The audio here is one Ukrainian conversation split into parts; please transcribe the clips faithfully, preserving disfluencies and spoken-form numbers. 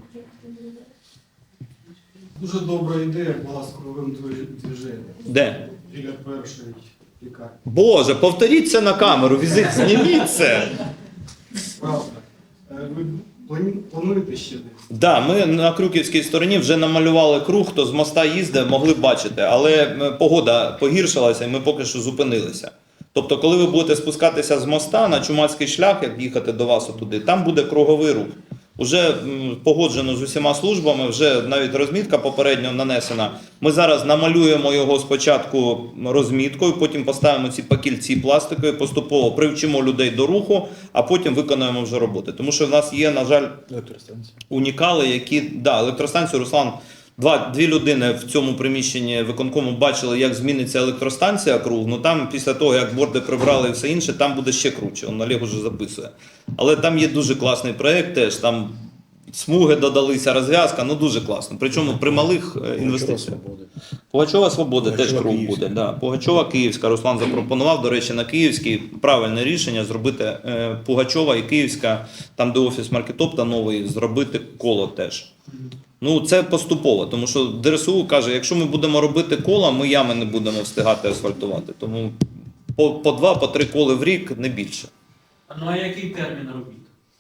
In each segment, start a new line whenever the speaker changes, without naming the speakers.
Дуже добра ідея була з круговим движенням.
Де?
Біля першої лікарні.
Боже, повторіть це на камеру, візит, зніміть це.
Правда. Е, Ви плані- плануєте ще десь?
Да, ми на Крюківській стороні вже намалювали круг, хто з моста їздив, могли б бачити, але е, погода погіршилася і ми поки що зупинилися. Тобто, коли ви будете спускатися з моста на Чумацький шлях, як їхати до вас отуди, там буде круговий рух. Уже м, погоджено з усіма службами, вже навіть розмітка попередньо нанесена. Ми зараз намалюємо його спочатку розміткою, потім поставимо ці пакільці пластикові, поступово привчимо людей до руху, а потім виконуємо вже роботи. Тому що в нас є, на жаль, унікали, які, да, електростанцію, Руслан, два, дві людини в цьому приміщенні виконкому бачили, як зміниться електростанція круг, ну там після того, як борди прибрали і все інше, там буде ще круче, он Олег уже записує. Але там є дуже класний проєкт теж, там смуги додалися, розв'язка, ну дуже класно. Причому при малих е, інвестиціях. Пугачова Свобода теж круг буде. Да. Пугачова Київська, Руслан запропонував, до речі, на Київській правильне рішення зробити е, Пугачова і Київська, там де офіс Маркетопта новий, зробити коло теж. Ну, це поступово, тому що ДРСУ каже, якщо ми будемо робити кола, ми ями не будемо встигати асфальтувати. Тому по, по два, по три коли в рік, не більше.
Ну а який термін робіт?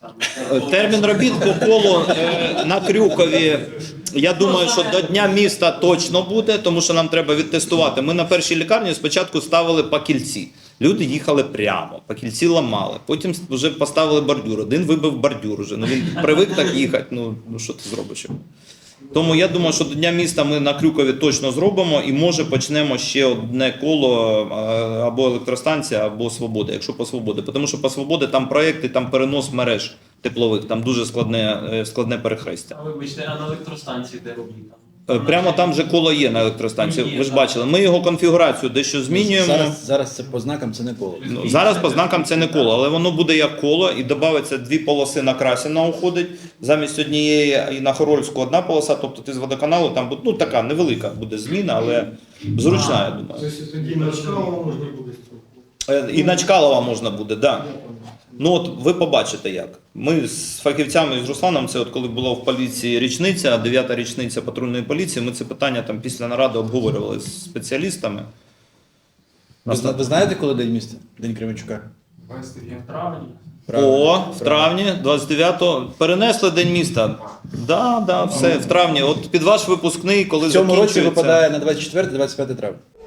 Е, Термін робіт по колу е, на Крюкові, я думаю, що до Дня міста точно буде, тому що нам треба відтестувати. Ми на першій лікарні спочатку ставили пакільці. Люди їхали прямо, пакільці ламали, потім вже поставили бордюр. Один вибив бордюр вже, ну він привик так їхати, ну, ну що ти зробиш йому. Тому я думаю, що до Дня міста ми на Крюкові точно зробимо і може почнемо ще одне коло або електростанція, або Свобода, якщо по Свободі. Тому що по Свободі там проєкти, там перенос мереж теплових, там дуже складне, складне перехрестя.
А вибачте, а на електростанції де робіт?
Прямо там же коло є на електростанції, ви ж бачили. Ми його конфігурацію дещо змінюємо.
Зараз, зараз це по знакам це не коло.
Ну, зараз по знакам це не коло, але воно буде як коло і додається дві полоси на Красіна уходить. Замість однієї і на Хорольську одна полоса, тобто ти з водоканалу там буде, ну така невелика буде зміна, але зручна, я думаю.
Тобто тоді на Чкалова можна буде строкувати.
І на Чкалова можна буде, так. Да. Ну от ви побачите як. Ми з фахівцями, з Русланом, це от коли була в поліції річниця, дев'ята річниця патрульної поліції, ми це питання там після наради обговорювали з спеціалістами.
Ви, зна- ви знаєте, коли День міста? День Кременчука?
В травні.
О, в травні, двадцять дев'ятого, перенесли День міста. Да, да, все, в травні. От під ваш випускний, коли
В цьому році
закінчується.
випадає на двадцять четверте - двадцять п'яте травня.